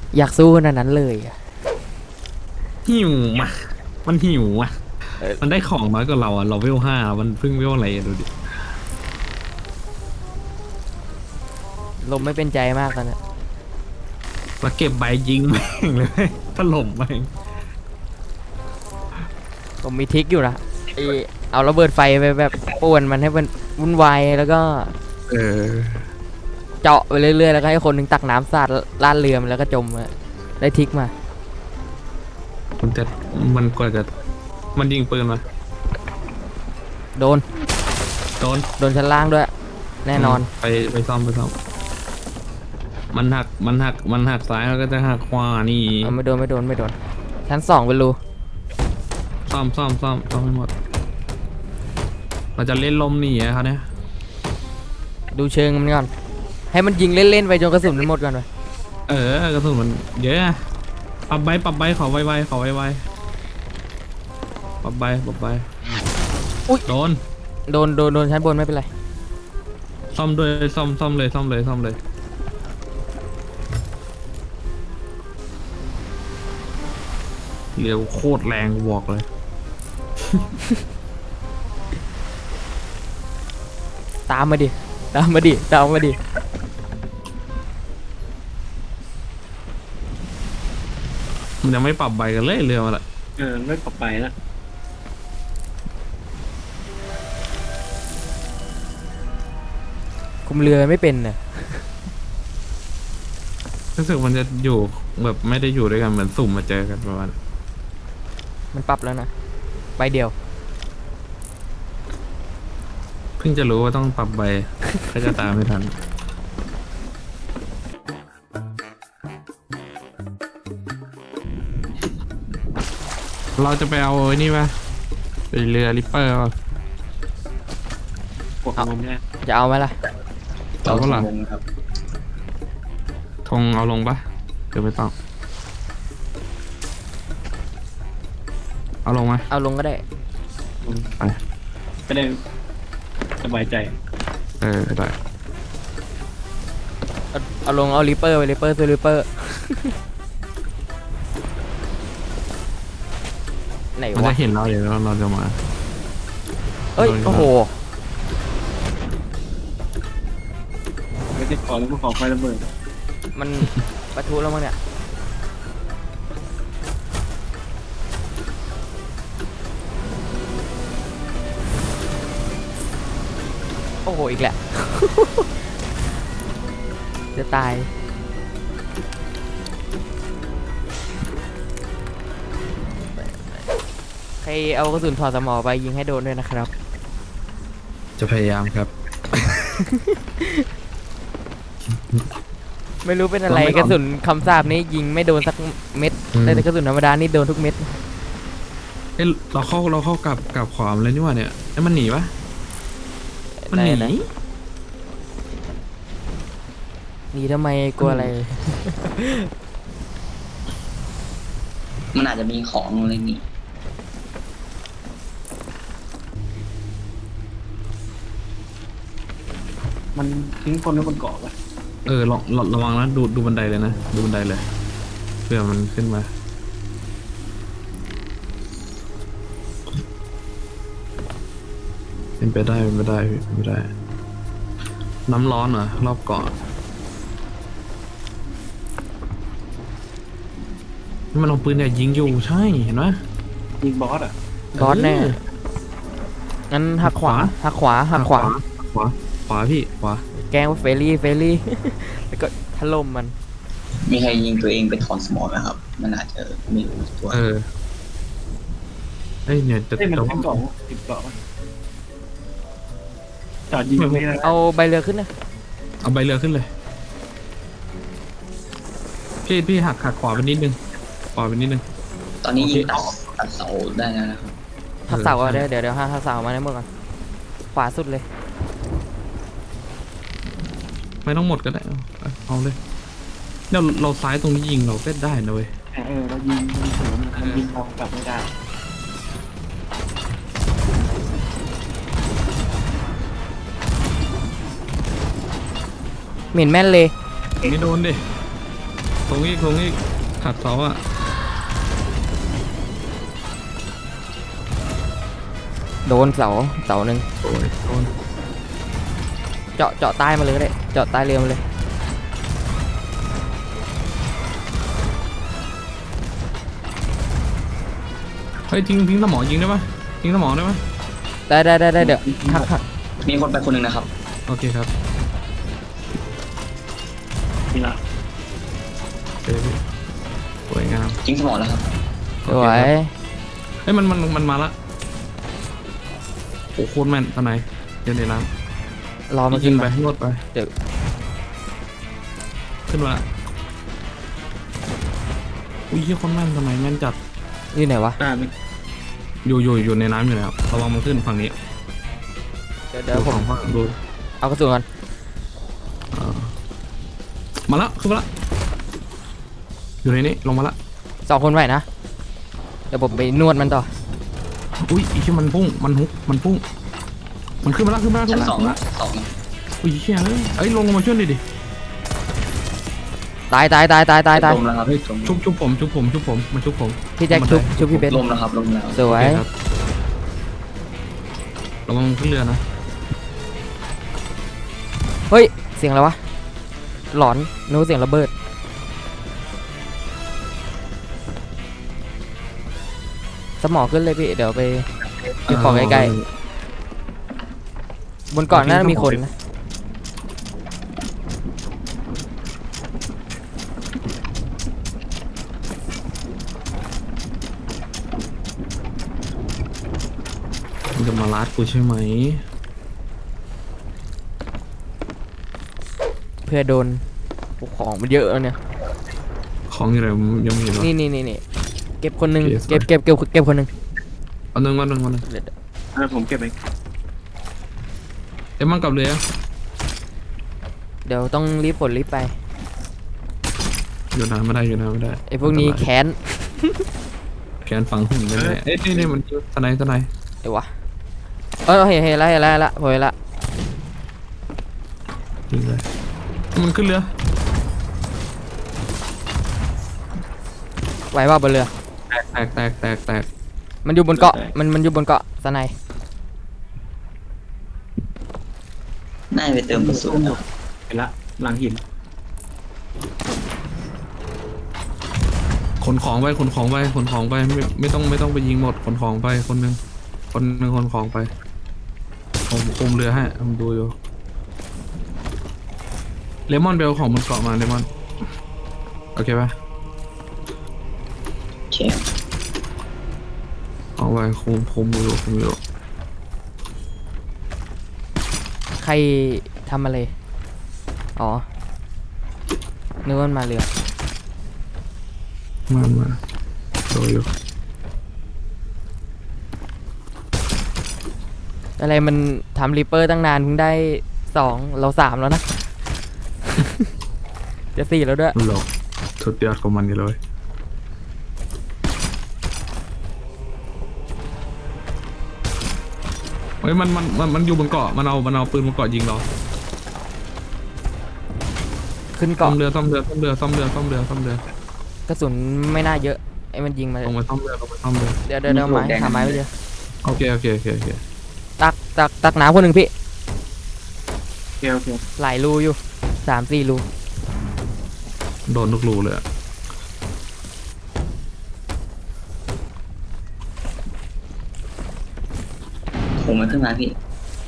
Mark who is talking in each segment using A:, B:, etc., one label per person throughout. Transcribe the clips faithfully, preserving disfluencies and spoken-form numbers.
A: อยากสู้ขนาดนั้นเลยอะ
B: หิวมามันหิวอ่ะมันได้ของน้อยกว่าเราอ่ะเราเวลห้ามันเพิ่งเวลอะไรอะดูดิ
A: ลมไม่เป็นใจมากตอนนี้
B: มาเก็บใบยิงแม่งเลยถล่มแม่ง
A: ผมมีทริกอยู่นะไอเอาระเบิดไฟไปแบบป่วนมันให้มันวุ่นวายแล้วก็
B: เออ
A: เจาะไปเรื่อยๆแล้วก็ให้คนหนึ่งตักน้ำสาดลาดเรือมันแล้วก็จมอะได้ทริกมา
B: มันจะมันกว่าจะมันยิงปืนมา
A: โดน
B: โดน
A: โดนชั้นล่างด้วย แน่นอน
B: ไปไปซ่อมไปซ่อมมันหักมันหักมันหักซ้ายแล้วก็จะหักขวานี่
A: เอาไม่โดนไม่โดนไม่โดนชั้นสองเป็นรู
B: ซ่อมซ่อมซ่อมซ่อมให้หมดเราจะเล่นลมหนีอะครับเนี่ย
A: ดูเชิงมันก่อนให้มันยิงเล่นๆไปจนกระสุนมันหมดก่อนไป
B: เออกระสุนมันเยอะอะปรับใบปรับใบขอไวๆขอไวๆปรับใบปรับใบ
A: อุ๊ย
B: โดน
A: โดนโดนโดนชั้นบนไม่เป็นไร
B: ซ่อมด้วยซ่อมซ่อมเลยซ่อมเลยซ่อมเลยเร็วโคตรแรงบอกเลย
A: ตามมาดิตามมาดิตามมาดิ
B: มันยังไม่ปรับใบกันเลยเรือมาละ
C: เออไม่ปรับไปนะ
A: คุมเรือไม่เป็นน่ะ
B: รู้สึกมันจะอยู่แบบไม่ได้อยู่ด้วยกันเหมือนสุ่มมาเจอกันประมาณ
A: มันปรับแล้วนะใบเดียว
B: เพิ่งจะรู้ว่าต้องปรับใบ ก็จะตามไม่ทัน เราจะไปเอาไอ้นี่ปะไปเรือริปเปอร์ป่ะ
C: ปวดงมเนี่ย
A: จะเอาไหมล่ะ
B: เอาก็หลัง
D: วงครับ
B: ธงเอาลงปะเดี๋ยวไม่ต้อง เอาลงไหม
A: เอาลงก็ได้
B: ไป
C: ก็ได้สบายใจ
B: เออได้
A: เอาเอาลงเอาริปเปอร์ไปริปเปอร์ซื้อริปเปอร์ ไหน
B: มัน
A: วะ
B: จะเห็นเราเดี๋ยวเราเราจะมา
A: เอ้ยโอ้โห
C: ไม่ได้ขอแล้วก็ขอไฟระเบิด
A: มันปะทุแล้วมั้งเนี่ยโอ้โหอีกแหละ จะตายใครเอากระสุนถอดสมอไปยิงให้โดนด้วยนะครับ
B: จะพยายามครับ
A: ไม่รู้เป็นอะไร
B: เราไม่
A: กระสุนคำสาบนี้ยิงไม่โดนสักเม็ด
B: อืม
A: แต่กระสุนธรรมดานี่โดนทุกเม็ด
B: เอ้ยเราเข้าเราเข้ากับกับขวามเลยนี่หว่าเนี่ยไอ้ยมันหนีปะมันหนี
A: ไหน หนีทำไมกลัวอะไร
D: มันอาจจะมีของอะไรนี่
C: มันทิ้งคนไว้บนเกาะปะ
B: เออลองระระวังนะดูดูบันไดเลยนะดูบันไดเลยเผื่อมันขึ้นมาเป็นไปได้เป็นไปได้พี่เป็นไปได้ น้ำร้อนเหรอรอบเกาะนี่มันเอาปืนเนี่ยยิงอยู่ใช่เห็นไหม
C: ยิงบอสอ่ะ
A: บอสแน่ งั้นหักขวา หักขวา หักขวา
B: ขวาขวาพี่ขวา
A: แกล้งว่าเฟรลี่ เฟรลี่ แล้วก็ถล่มมัน
D: มีใครยิงตัวเองเป็นถอนสมองนะครับ มันอาจจะไม่รู้ตัว
B: เออเอ้ยเนี่ยจะ
C: เอ้ยมัน
B: จะ
C: เป็นเกาะติดเกาะปะจอดยิงไม่ได้
A: เอาใบเรือขึ้นนะ
B: เอาใบเรือขึ้นเลยพี่พี่หักหักขวาไปนิดนึงขวาไปนิดนึง
D: ตอนนี้ยิง
B: โอเค
D: ตัดตัดเสาได้แล้วนะครับ
A: หักเสา
B: เออ
A: ก่อนเดี๋ยวเดี๋ยวเดี๋ยวหักเสามาในเมื่อก่อนขวาสุดเลย
B: ไม่ต้องหมดก็ได้เอาเอาเอาเลยเราเราซ้ายตรงนี้ยิงเราก็ได้นะเว้ย
C: เออเรายิงยิงสวนมันยิงเรากลับไม่ได้
A: เหม็นแม่นเลย
B: ไม่โดนดิตรงอีกตรงอีกขัดเสาอ่ะ
A: โดนเสาเสาหนึ่ง
B: โอ้ยโดน
A: เจาะเจาะใต้มาเลยก็ได้เจาะใต้เรือมาเลย
B: เฮ้ยทิ้งทิ้งสมองยิงได้ปะทิ้งสมองได้ปะ
A: ได้ได้ได้ได้เดี๋ยวหักหัก
D: มีคนไปคนหนึ่งนะครับ
B: โอเคครับ
C: นี่ละ
B: เจอพี่สวยงาม
D: ทิ้งสมองแล้วครับ
A: สวย
B: เฮ้ยมันมันมันมาละโอ้โคตรแม่นตอนไหนเดี๋ยวในน้
A: รอ
B: ำ
A: มา
B: ยิ
A: ขึ้
B: ง
A: น
B: ไป
A: มา
B: รวดไป
A: เดี๋ยว
B: ขึ้นมาละอุ้ยเหี้ยโคนแม่นตอนไหนแม่นจัด
A: อยู่ไหนวะ
C: ได้ไหม
B: อยู่อยู่อยู่ในน้ำอยู่แล้วระวังมันขึ้นฝั่งนี้
A: เดี๋ยวเดี๋ยว
B: ดู
A: ผม
B: ฝั่งฝั่งดู
A: เอากระสุนก่อน
B: เออมาละขึ้นมาละอยู่ในนี้ลงมาละ
A: สองคนไหวนะเดี๋ยวผมไปนวดมันต่อ
B: อุ้ยอีที่มันพุ่งมันฮุกมันพุ่งมันขึ้นมาละขึ้นมาละขึ้
D: ชั้
B: น
D: น
B: มา
D: สอง
B: ละ
D: สอง
B: อุ้ยเชี่ยเอ้ยเอ้ยลงมาช่วยหน่อยดิ
A: ตายตายตายตายตายตาย
D: ลมแล้วครับ
B: เฮ้ย
D: ลม
B: ชุบชุบผมชุบผมชุบผมมาชุบผม
A: พี่แจ็คชุบชุบพี่เบน
D: ลมแล้วครับลมแล้ว
A: สวย
B: โอเคครับระวังขึ้นเรือนะ
A: เฮ้ยเสียงอะไรวะหลอนนึกว่าเสียงระเบิดสมองขึ้นเลยพี่เดี๋ยวไปเก็บของใกล้ๆบนเก่อนน่าจะมีคนนะ
B: มันจะมาลัดกูใช่ไหม
A: เพื่อโดนโอ้ของมันเยอะแล้วเนี่ย
B: ของอยู่ไหนยังมีเหรอ
A: นี่นี่นี่นี่เก็บคนหนึ่ง
B: โอเค
A: เก็บเก็บเก็บเก็บคนหนึ่ง
B: เอาหนึ่งวันหนึ่งวันหนึ่ง
A: เดี๋ยว
C: เออผมเก็บเอง
B: เอ็มมันกลับเรือ
A: เดี๋ยวต้องรีบผลรีบไป
B: อยู่นานไม่ได้อยู่นานไม่ได้
A: ไอ้พวกนี้แค้น
B: แขนฝังหุ่นไปเลยเอ้ยนี่นี่มันทนายทนาย
A: เดี๋ยววะเออเห็นเห็นแล้วเห็นแล้วเห็นแล้วผมเห็นแล้ว
B: ยิงเลยมันขึ้นเรือ
A: ไหวว่าบนเรือ
B: แตกแตกแตกแตก
A: มันอยู่บนเกาะมันมันอยู่บนเกาะสไน
D: น่าจะไปเติมกระสุนครับ
C: เห็นละหลังหิน
B: ขนของไปขนของไปขนของไปไม่ไม่ต้องไม่ต้องไปยิงหมดขนของไปคนหนึ่งคนหนึ่งขนของไปผมคุมเรือให้ผมดูอยู่เลมอนเบลของบนเกาะมาเลมอนโอเคปะ
D: โอเค
B: เอาไว้คุมคุมอยู่คุมอยู่
A: ใครทำอะไรอ๋อนึกว่ามันมาเรือ
B: มามาดูอยู่
A: อะไรมันทำริปเปอร์ตั้งนานเพิ่งได้สองเราสามแล้วนะ จะสี่แล้วด้วย
B: หลอกสุดยอดของมันอยู่เลยเฮ้ยมันมันมันมันอยู่บนเกาะมันเอามันเอาปืนบนเกาะยิงเรา
A: ขึ้น
B: ซ่อ
A: เกาะ
B: มเรือซ่อมเรือซ่อมเรือซ่อมเรือซ่อมเรือซ่อมเรือก
A: ระสุนไม่น่าเยอะไอ้มันยิงมา
B: ลงไปซ่อมเรือลงไปซ่อมเรือ
A: เดี๋ยวเดี๋ยวเดี๋ยวไม้หาไม้ไปเจอ
B: โอเคโอเคโอเคโอเค
A: ตักตักตักน้ำคนหนึ่งพี่
C: โอเคโอเค
A: หลายรูอยู่สามสี่รู
B: โดนทุกรูเลยอะ
D: ผมมันขึ้นมาพี่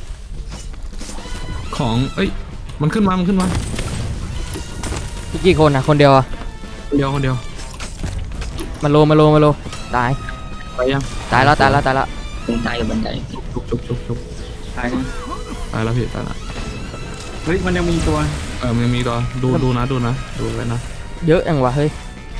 B: ของเอ้ยมันขึ้นมามันขึ้นมา
A: พี่กี่คนนะคนเดียวอะ
B: คนเดียวคนเดียว
A: มาโลมาโลมาโลตาย
B: ไปยัง
A: ตายแล้วตายแล้วตายแล้ว
D: ผมตายอยู่บันได
B: ชุบชุบชุบชุบ
C: ตายนะ
B: ตายแล้วพี่ตายแล้ว
C: เฮ้ยมันยังมีตัว
B: เออมันยังมีตัวดูดูนะดูนะดูไว้นะ
A: เยอะจังวะเฮ้ย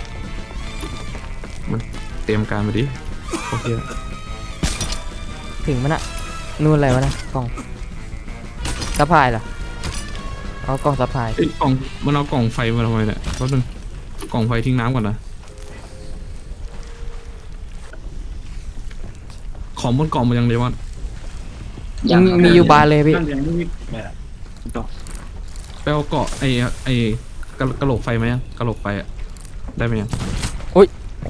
B: เตรียมการไปดิโอเค
A: ถึงมันอะนู่นอะไรวะนะกล่องซัพพลายเหรอเอากล่องซัพพลาย
B: เอ้ยกล่องมันเอากล่องไฟมาทำไมเนี่ยแป๊บนึงกล่องไฟทิ้งน้ำก่อนนะของบนกล่องมันยังเลยวะ
A: ยังมีอยู่บานเลยพี่
C: นั่นยังไม่มีแบบต่อ
B: ไปเอาเกาะไอ้ไอ้กระกระโหลกไฟไหมอะกระโหลกไฟอะได้ไหมยัง
A: โอ้โห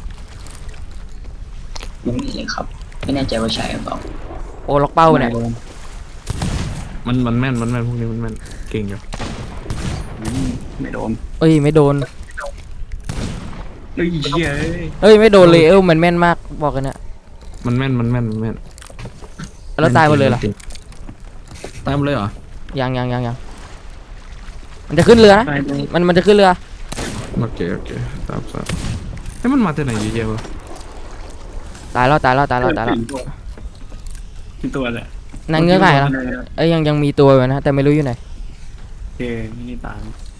D: ยังไม่เลยครับ ไม่แน่ใจว่าใช่หรือเปล่า
A: โอ้ล็อกเป้าเนี่ย
B: มันมันแม่นมันแม่นพวกนี้มันแม่นเก่งอยู่
C: อืมไม่โดน
A: เอ้ยไม่โดน
C: เฮ้ยเหี้ยเอ้ย
A: เอ้ยไม่โดนเลยเออมันแม่นมากบอกกันเนี่ย
B: มันแม่นมันแม่นมันแม่น
A: แล้วตายหมดเลยเหรอ
B: ตายหมดเลยเหรอ
A: ยังยังยังยังมันจะขึ้นเรือนะ
C: ไปเลย
A: มันมันจะขึ้นเรือ
B: โอเคโอเคตามทราบเฮ้ยมันมาจากไหนเยอะแยะวะ
A: ตายแล้วตายแล้วตายแล้วตายแล้ว
C: กี่ตัวแหละ
A: นางเงือกหายแล้วเอ้ยยังยังมีตัวอยู่นะแต่ไม่รู้อยู่ไหน
C: โอเคนี่ตาม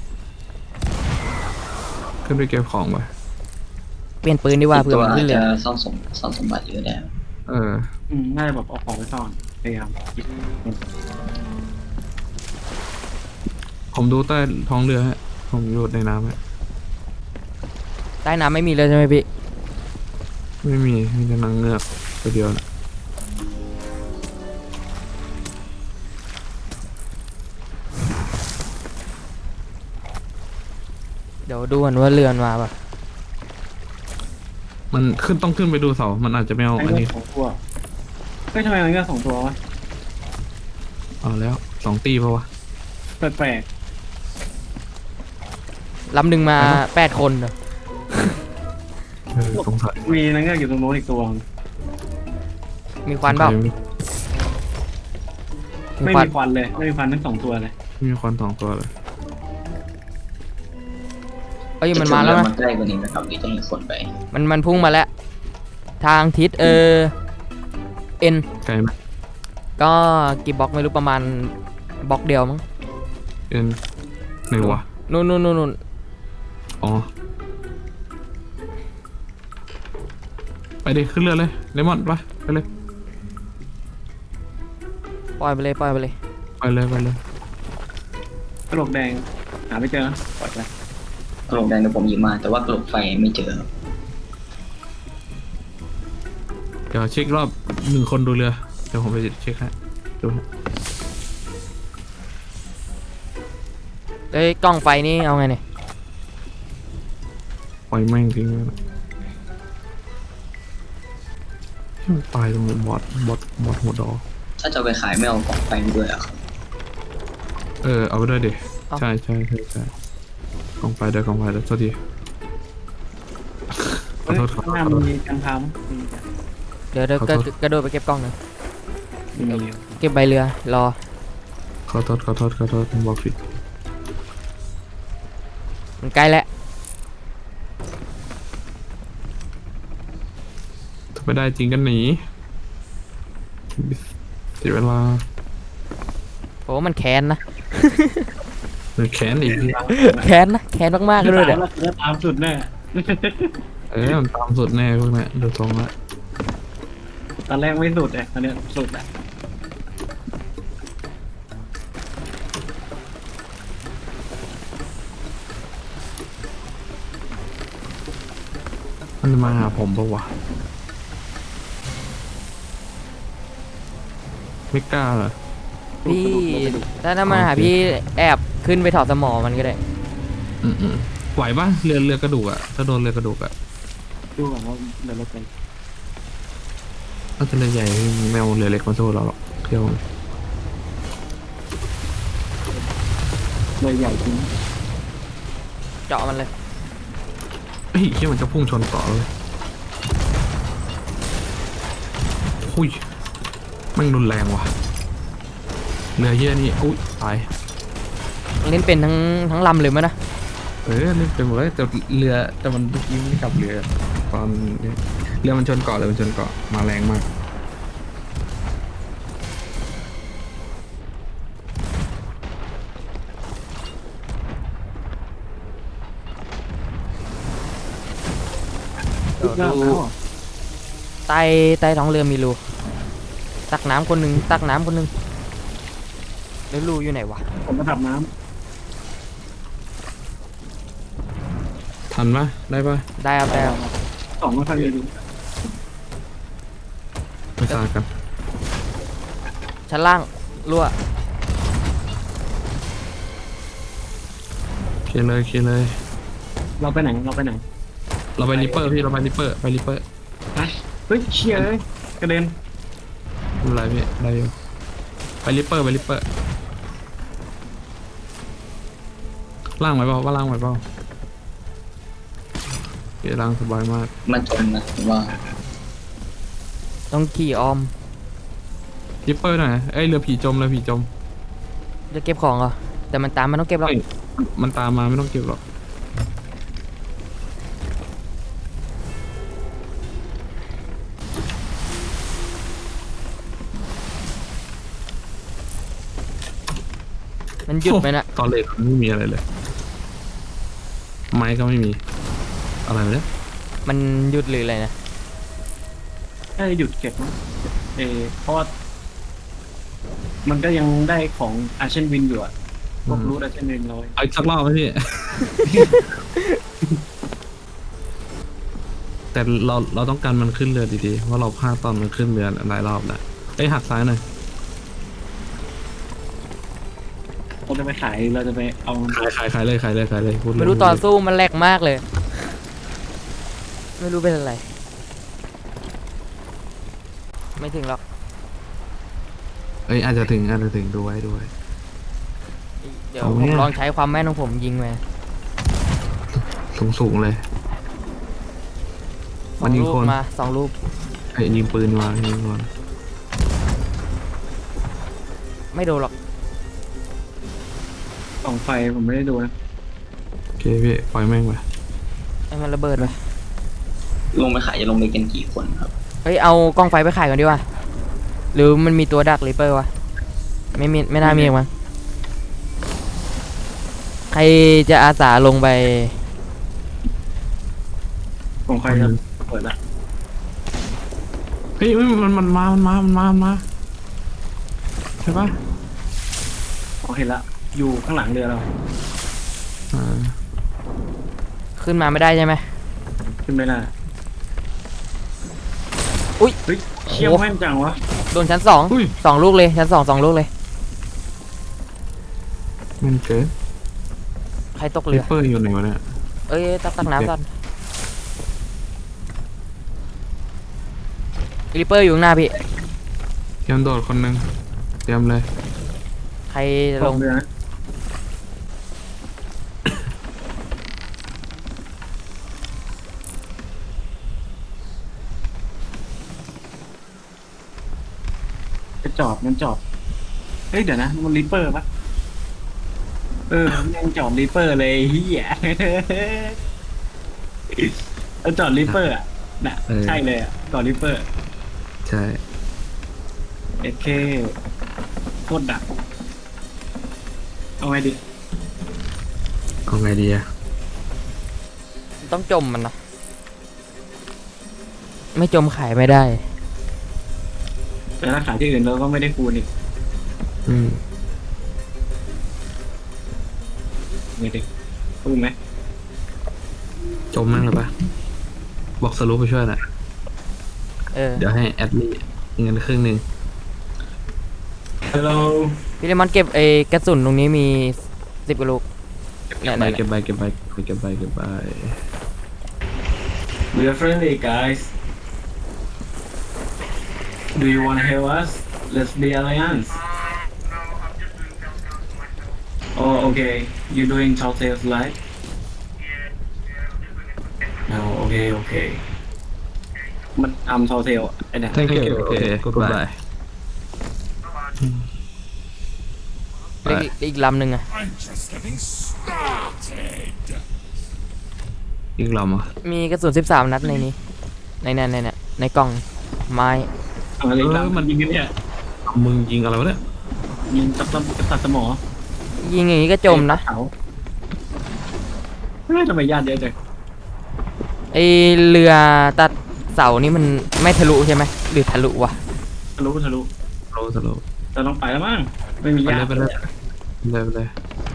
B: ขึ้นไปเก็บของไป
A: เปลี่ยนปืนดีกว่า
D: อีก
A: เผื่อ
D: ตัว
A: มัน
D: อา
A: ขึ้
D: จ
A: นเรื
D: จะ
A: อ
D: ซ่อนสมซ่อนสมบัติอยู่ได้
B: เออ
C: อืมน่าจะแบบเอาของไปซ่อนพยายามคิด
B: ผมดูใต้ท้องเรือฮะผมอยู่ในน้ำฮะ
A: ใต้น้ำไม่มีเลยใช่ไหมพี่
B: ไม่มีมีแต่นางเงือกตัวเดียวนะ
A: เดี๋ยวดูกันว่าเรือมันมาป่ะ
B: มันขึ้นต้องขึ้นไปดูเสามันอาจจะไม่เอา
C: ไอ้
B: อัน
C: เงื
B: นี้
C: อกสองตัวเฮ้ยทำไมมันเงือกสองตัววะ
B: เอาแล้วสองตีเพราะวะ
C: แปลก
A: ลำหนึ่งมาแปดคนเหรอ
B: เออสงสัย
C: ๆมีนางเงือกอยู่ตรงโน้นอีกตัว
A: มีควันเปล่า
C: ไม่
A: มีควัน
C: มีควันเลยไม่มีควันทั้งสองตัวเลย
B: ไม่มีควันสองตัวเลย
A: เอ้ยมันมาแล้ว
D: จะ
A: นะ
D: ถึงเรือมาใกล้กว่านี้นะครับหรือจะให้คนไป
A: มันมันพุ่งมาแล้ว ทางทิศเออเอ็น
B: ไกลไหม
A: ก็กี่บล็อกไม่รู้ประมาณบล็อกเดียวมั้ง
B: เอ็นไหนวะ
A: นู่นนู่นนู่นนู่น
B: อ๋อไปดิขึ้นเรือเลยเลมอนไปไปเลย
A: ปล่อยไปเลยปล่อยไปเลย
B: ไปเลยไปเลย
C: กระโหลกแดงหาไม่เจอปล่อยไป
D: กระโหลกแดงเดี๋ยวผมหยิบมา แต่ว่ากระโหลกไฟไม่เจอครับ
B: เดี๋ยวเช็ครอบหนึ่งคนดูเรือเดี๋ยวผมไปเช็คให้ดูให้
A: เอ้ยกล้องไฟนี่เอาไงเนี่ย
B: ปล่อยแม่งทิ้งไว้นะที่มันตายตรงบอดบอดบอดหัวดอ
D: ถ้าจะเอาไปขายไม่เอากล่องไฟมาด้วยอะครับ
B: เออเอาไปด้วยดิใช่ใช่ใช่ใช่กองไฟเดี๋ยวกองไฟเดี๋ยวโทษทีขอโทษขอ
C: ข้าง
B: โท
C: หน้า
B: ษขอโทษ
C: มีกันทำมี
A: เดี๋ยวเดี๋ยว
B: ขอ
A: กระ
B: โทษ
A: กระโดดไปเก็บกล้องหนึ่ง
C: มี
A: เก็บใบเรือรอ
B: ขอโทษขอโทษขอโทษผมบอกผิด
A: มันใกล้แล้ว
B: ถ้าไม่ได้จริงกันหนีเสียเวลา
A: โอ้มันแค้นนะ
B: หรือแขนอีกที
A: แค้นนะแค้นมากๆเลยเดี๋ยว
C: แล้วตามสุดแน่
B: เออมันตามสุดแน่พวกเนี้ยดูทรงละ
C: ตอนแรกไม่สุดเลยตอนเนี้ยสุดแหละ
B: มันมาหาผมปะวะไม่กล้าเหรอ
A: พี่ถ้าถ้ามาหาพี่แอบขึ้นไปถอดสมอมันก็ได้
B: อืมอืมไหวปะเรือเรือกระดูกอะถ้าโดนเรือกระดูกอะ
C: ดูก่อนว่าเดี๋ยวเราไป
B: ถ้าจะเรือใหญ่แมวเรือเล็กมาสู้เราหรอกเที่ยว
C: เลยใหญ่จริง
A: เจาะมันเลย
B: เฮ้ยเที่ยมันจะพุ่งชนเกาะเลยหุยแมันรุนแรงว่ะเรือเยี่ยนี่อุ้ยตาย
A: เล่นเป็นทั้งทั้งลำเลยมั้ยนะ
B: เออเล่นเป็นหมดเลยแต่เรือแต่มันเมื่อกี้ไม่กลับเรือตอนนี้เรือมันชนเกาะเลยมันชนเกาะมาแรงมาก
A: เดี๋ยวดูใต้ใต้ท้องเรือมีรูตักน้ำคนหนึ่งตักน้ำคนหนึ่งแล้วรูอยู่ไหนวะ
C: ผมมาถับน้
B: ทันปะได้ปะ
A: ได้ครับได้ครับ
C: ำสองไม่ค่อยมีดู
B: ไม่ทราบกัน
A: ชั้นล่างรั่ว
B: เคลียร์เลยเคลียร์เลย
C: เราไปไหนเราไปไหน
B: เราไปริปเปอร์พี่เราไปริปเปอร์ไปริปเปอร์
C: ไปเฮ้ยเชี่ยเลยกระเด็น
B: ไม่เป็นไรพี่ได้อยู่ไปริปเปอร์ไปริปเปอร์ล่างไหวเปล่าว่าล่างไหวเปล่าเดี๋ยวล่างสบายมาก
D: มันจนนะผมว่า
A: ต้องขี่อ้อม
B: ริปเปอร์หน่อยเอ้ยเรือผีจมเรือผีจม
A: จะเก็บของเหรอแต่มันตามมันต้องเก็บหรอก
B: เฮ้ยมันตามมาไม่ต้องเก็บหรอก
A: มันหยุดไหมนะ
B: ตอนเลทไม่มีอะไรเลย ไม้ก็ไม่มี อะไรวะเนี่ย
A: มันหยุดหรืออะไรนะ
C: ให้หยุดเก็บมั้งเออเพราะว่ามันก็ยังได้ของอาเชนวินอยู่อะพวกรูทอาเชนวินเรา
B: เอาอีกสักรอบไหมพี่ แต่เราเราต้องการมันขึ้นเรือดีๆเพราะเราพลาดตอนมันขึ้นเรือหลายรอบแล้วเอ้ยหักซ้ายหน่อย
C: เราจะไปขายเราจะไปเอา
B: ขายขายขายเลยขายเลยขายเลยพูดเลย
A: ไม่รู้ตอนสู้มันแหลกมากเลย ไม่รู้เป็นอะไร ไม่ถึงหรอก
B: เอ้ยอาจจะถึงอาจจะถึงดูไว้ดูไว้
A: เดี๋ยว
B: เอา
A: ผ
B: ไง
A: ม
B: อะ
A: ลองใช้ความแม่นของผมยิงไป
B: สูงสูงๆเลย
A: ส
B: มั
A: อน ง
B: ยิง
A: ลูก
B: คน
A: มาสองลูก
B: ไอ้ยยิงปืนมายิงคน
A: ไม่โดนหรอก
C: กล่องไฟผมไม่ได้ดูนะ
B: โอเคพี่ปล่อยแม่งไป
A: ให้มันระเบิดไป
D: ลงไปขายจะลงไปกันกี่คนครับ
A: เฮ้ยเอากล้องไฟไปขายก่อนดีกว่าหรือมันมีตัวดักริปเปอร์วะไม่มีไม่น่ามีหรอกมั้งใครจะอาสาลงไป
C: กล่องไฟจะเปิดละ
B: เฮ้ยเฮ้ยมันมันมามันมามันมามันมาใช่ปะ
C: อ๋อเห็นละอยู่ข้างหลังเรือเรา
B: อ่า
A: ขึ้นมาไม่ได้ใช่ไหม
C: ขึ้นไม่ได้
A: อุ๊ย
C: เฮ้ยเชี่ยว
A: โอ้โห
C: แม่นจังวะ
A: โดนชั้นสอง
B: อุ้ย
A: สองลูกเลยชั้นสองสองลูกเลย
B: มันเกิด
A: ใครตก
B: ริ
A: เรือ
B: ปเปอร์อยู่ไหนวะเนี่ย
A: เอ้ยตักตักน้ำก่อนริปเปอร์อยู่ข้างหน้าพี่
B: เตรียมโดดคนหนึ่งเตรียมเลย
A: ใครจะ
C: ล
A: ล
C: ง
A: ง
C: เรือนะจะจอดมันจอดเฮ้ยเดี๋ยวนะมันริปเปอร์ปะเออยังจอดริปเปอร์เลยเฮีย เออจอดริปเปอร์อ่ะน่ะใช่เลยอ่ะจอดริปเปอร์
B: ใช่
C: เอเคโคตรดักเอาไงดี
B: เอาไงดีอะ
A: ต้องจมมันนะไม่จมขายไม่ได้
C: แต่ถ้าขายที่อื่นเราก็ไม่ได้คูณอีก
B: อืม
C: ไงดีคูณไหม
B: จมแม่งเลยปะบอกสรุปไปช่วยหน่อย
A: เออ
B: เดี๋ยวให้แอดลี่เงินครึ่งหนึ่ง
C: ฮัลโหล
A: พี่เลมอนเก็บไอ้กระสุนตรงนี้มีสิบกว่าลูก
B: เก็บใบเก็บใบเก็บใบเก็บใบเก็บใบ
C: We are friendly guys Do you wanna help us Let's be alliance Oh okay You doing tall tales live No okay okay มันทำ tall tale ไอ้เนี่ย
B: thank you โอเค goodbye ไป
A: อีกอีกลำหนึ่งอะ
E: I'm just getting started.
B: ยิงลำอ่ะ
A: มีกระสุนสิบสามนัดในนี้ ในนั้นในนั้นในกล่องไม้
C: อะไร
B: เอ
C: ล่ะ
B: อมัน
C: ยิงกันเนี่ย
B: มึงยิงอะไรวะเนี่ย
C: ยิงตัดสมตัดสมอ
A: ยิงอย่างนี้ก็จมนะ
C: เขาเฮ้ยทำไมญาติเยอะจัง
A: ไอเรือตัดเสานี่มันไม่ทะลุใช่ไหมหรือทะลุวะ
C: ทะลุทะลุ
B: โลสโล
C: เราต้องไปแล้วมั้งไม่มี
B: ไป
C: ญา
B: เลย
C: ติ
B: ไปเลยไปเลยไปเลย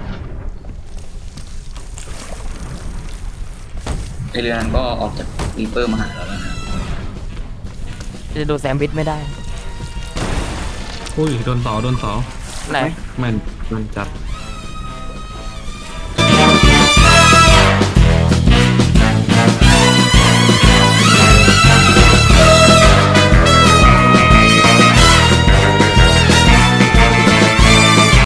D: ไอเรือนั้นก็ออกจากรีเปอร์มาหาเราแล้วนะ
A: จะโดนแซมบิทไม่ได้
B: อุ้ยโดนเสาโดนเสา
A: ไหน
B: แม่นแม่นจัด